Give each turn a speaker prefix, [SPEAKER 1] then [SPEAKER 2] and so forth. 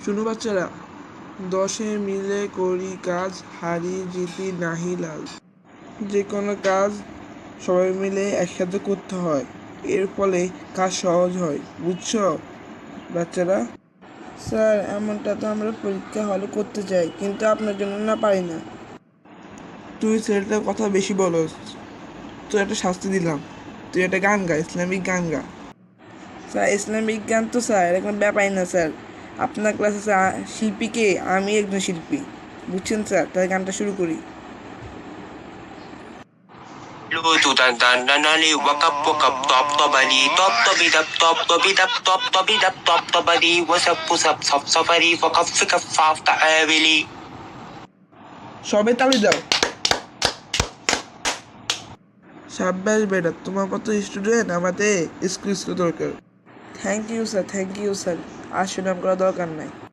[SPEAKER 1] শুনো বাচ্চারা, দশে মিলে করি কাজ, হারি জিতি নাহি লাল। যে কোনো কাজ সবাই মিলে একসাথে করতে হয়, এর ফলে কাজ সহজ হয়। বুঝছো বাচ্চারা?
[SPEAKER 2] স্যার, এমনটা তো আমরা পরীক্ষা হলে করতে চাই, কিন্তু আপনার জন্য না পারি না।
[SPEAKER 1] তুই ছেলেটার কথা বেশি বলস, তুই একটা শাস্তি দিলাম, তুই একটা গান গা, ইসলামিক গান গা।
[SPEAKER 2] স্যার, ইসলামিক গান তো স্যার এখন ব্যাপারই না স্যার। আপনার ক্লাসে শিল্পীকে আমি একজন শিল্পী, বুঝছেন স্যার? তাই গানটা শুরু করি।
[SPEAKER 3] Lutu dan dan nali wakap wakap top tobali top tobi dap top tobi dap top tobi dap top tobali wasap pusap sop sopari wakap fikap faf ta avili.
[SPEAKER 1] সবে তালি দাও। সাব্বাস বেটা, তোমার মতো স্টুডেন্ট আমাদের স্কুল দরকার।
[SPEAKER 2] Thank you sir, thank you sir. আর সুনাম করা দরকার নাই।